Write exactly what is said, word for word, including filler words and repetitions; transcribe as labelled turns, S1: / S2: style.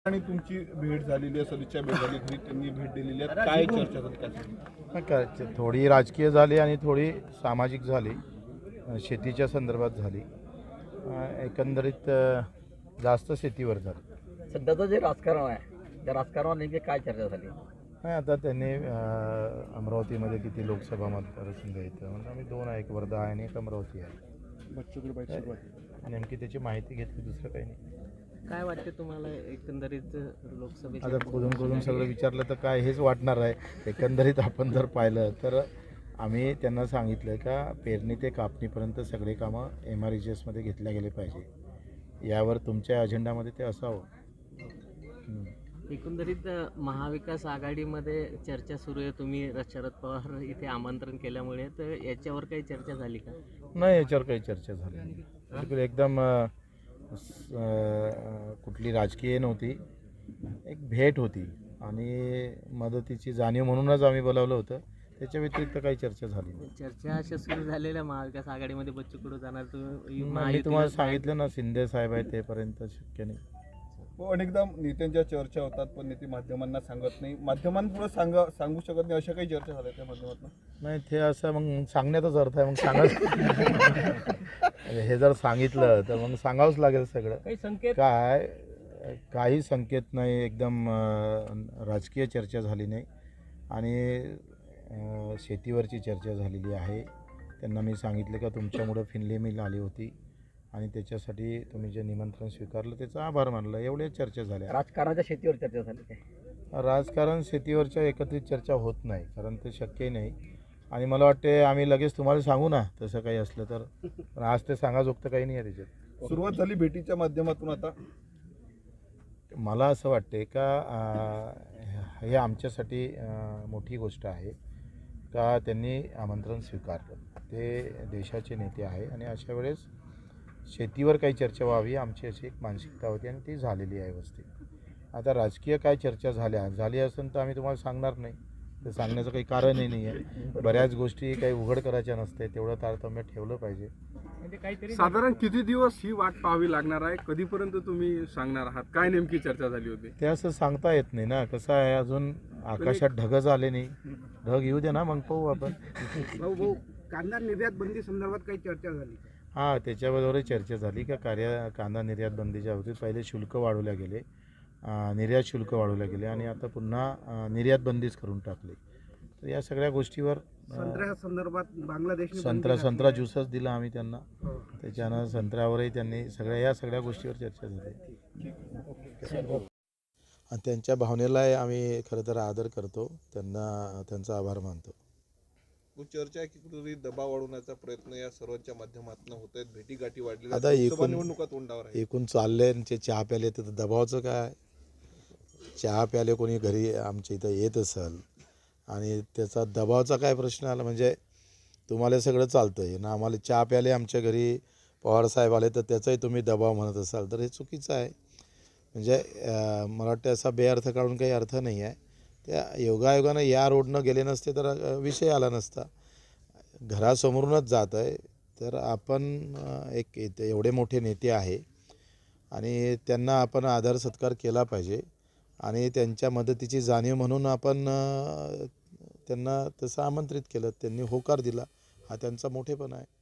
S1: आणि तुमची भेट झालेली आहे, सदिच्छा भेट झाली, घरी त्यांनी भेट दिलेली आहे, काय चर्चा झाली त्यासाठी?
S2: काय थोडी राजकीय झाली आणि थोडी सामाजिक झाली, शेतीच्या संदर्भात झाली, एकंदरीत जास्त शेतीवर झाली.
S3: सध्याचं जे राजकारण आहे त्या राजकारणावर नेमकी काय चर्चा झाली?
S2: नाही, आता त्यांनी अमरावतीमध्ये किती लोकसभा मतदारसंघ येतं म्हणजे आम्ही दोन आहे, एक वर्धा आहे आणि एक अमरावती आहे. नेमकी त्याची माहिती घेतली, दुसरं काही नाही.
S4: काय वाटते तुम्हाला एकंदरीत लोकसभेत?
S2: आता खोदून खोदून सगळं विचारलं तर काय हेच वाटणार आहे. एकंदरीत आपण जर पाहिलं तर आम्ही त्यांना सांगितलं का पेरणी ते कापणीपर्यंत सगळे कामं एम आर ई जी एसमध्ये घेतल्या गेले पाहिजे. यावर तुमच्या अजेंडामध्ये ते असावं.
S4: एकंदरीत महाविकास आघाडीमध्ये चर्चा सुरू आहे. तुम्ही शरद पवार इथे आमंत्रण केल्यामुळे तर याच्यावर काही चर्चा झाली का?
S2: नाही, याच्यावर काही चर्चा झाली नाही. बिलकुल एकदम कुठली राजकीय नव्हती, एक भेट होती आणि मदतीची जाणीव म्हणूनच आम्ही बोलावलं होतं. त्याच्या व्यतिरिक्त काही चर्चा झाली नाही.
S4: चर्चा अशा सुरू झालेल्या महाविकास आघाडीमध्ये बच्चू कडू जाणार, तुम्ही
S2: मी तुम्हाला सांगितलं ना, शिंदे साहेब आहे तेपर्यंत शक्य नाही.
S1: हो, अनेकदा नेत्यांच्या चर्चा होतात पण नेते माध्यमांना सांगत नाही, माध्यमांपुढे सांगा सांगू शकत नाही, अशा काही चर्चा झाल्या त्या माध्यमातून?
S2: नाही, ते असं मग सांगण्याचाच अर्थ आहे. मग सांगा हे जर सांगितलं तर मग सांगावंच लागेल सगळं.
S4: काही संकेत?
S2: काय काही संकेत नाही, एकदम राजकीय चर्चा झाली नाही आणि शेतीवरची चर्चा झालेली आहे. त्यांना मी सांगितलं का तुमच्यामुळं फिनले मिल आली होती आणि त्याच्यासाठी तुम्ही जे निमंत्रण स्वीकारलं त्याचा आभार मानला. एवढ्या चर्चा झाल्या.
S3: राजकारणाच्या शेतीवर चर्चा झाली काय?
S2: राजकारण शेतीवरच्या एकत्रित चर्चा होत नाही, कारण ते शक्यही नाही. आणि मला वाटते आम्ही लगेच तुम्हाला सांगू ना तसं काही असलं तर, पण आज ते सांगाजोगतं काही नाही आहे त्याच्यात.
S1: सुरुवात झाली भेटीच्या माध्यमातून. आता
S2: मला असं वाटते का हे आमच्यासाठी मोठी गोष्ट आहे का त्यांनी आमंत्रण स्वीकारलं. ते देशाचे नेते आहे आणि अशा वेळेस शेतीवर काही चर्चा व्हावी आमची अशी एक मानसिकता होती आणि ती झालेली आहे व्यवस्थित. आता राजकीय काय चर्चा झाल्या झाली असेल तर आम्ही तुम्हाला सांगणार नाही, ते सांगण्याचं काही कारणही नाही आहे. बऱ्याच गोष्टी काही उघड करायच्या नसते, तेवढं तारतम्य ठेवलं पाहिजे.
S5: साधारण किती दिवस ही वाट पाहावी लागणार आहे? कधीपर्यंत तुम्ही सांगणार आहात? काय नेमकी चर्चा झाली होती?
S2: ते असं सांगता येत नाही ना. कसं आहे, अजून आकाशात ढगच आले नाही. ढग येऊ दे ना, मग पाहू आपण.
S5: भाऊ भाऊ कांदा निर्यात बंदी संदर्भात काही चर्चा झाली?
S2: हां, त्याच्याबरोबरही चर्चा झाली का कार्य कांदा निर्यात बंदीच्या बाबतीत पहिले शुल्क वाढवल्या गेले, निर्यात शुल्क वाढवल्या गेले आणि आता पुन्हा निर्यात बंदीच करून टाकली. तर या सगळ्या गोष्टीवर
S5: संत्र्या संदर्भात बांगलादेश
S2: संत्रा संत्रा ज्यूसच दिला आम्ही त्यांना, त्याच्यानं संत्र्यावरही त्यांनी सगळ्या या सगळ्या गोष्टीवर चर्चा झाली. आणि त्यांच्या भावनेलाही आम्ही खरं तर आदर करतो, त्यांना त्यांचा आभार मानतो.
S1: चर्चा आहे की कुठेतरी दबाव वाढवण्याचा प्रयत्न या सर्वांच्या माध्यमातून होत आहेत, भेटी गाठी वाढलेल्या
S2: आता एकूण
S1: निवडणुका तोंडावर आहे.
S2: एकूण चालले ते चहा प्याले तर दबावाचं काय? चहा प्याले कोणी घरी आमच्या इथं येत असेल आणि त्याचा दबावाचा काय प्रश्न आला? म्हणजे तुम्हाला सगळं चालतं आहे ना, आम्हाला चहा प्याले आमच्या घरी पवारसाहेब आले तर त्याचाही तुम्ही दबाव म्हणत असाल तर हे चुकीचं आहे. म्हणजे मला वाटतं असा बेअर्थ काढून काही अर्थ नाही आहे. त्या योगायोगानं या रोडनं गेले नसते तर विषय आला नसता. घरासमोरूनच जात आहे तर आपण एक एवढे मोठे नेते आहे आणि त्यांना आपण आदर सत्कार केला पाहिजे आणि त्यांच्या मदतीची जाणीव म्हणून आपण त्यांना तसं आमंत्रित केलं, त्यांनी होकार दिला, हा त्यांचा मोठेपणा आहे.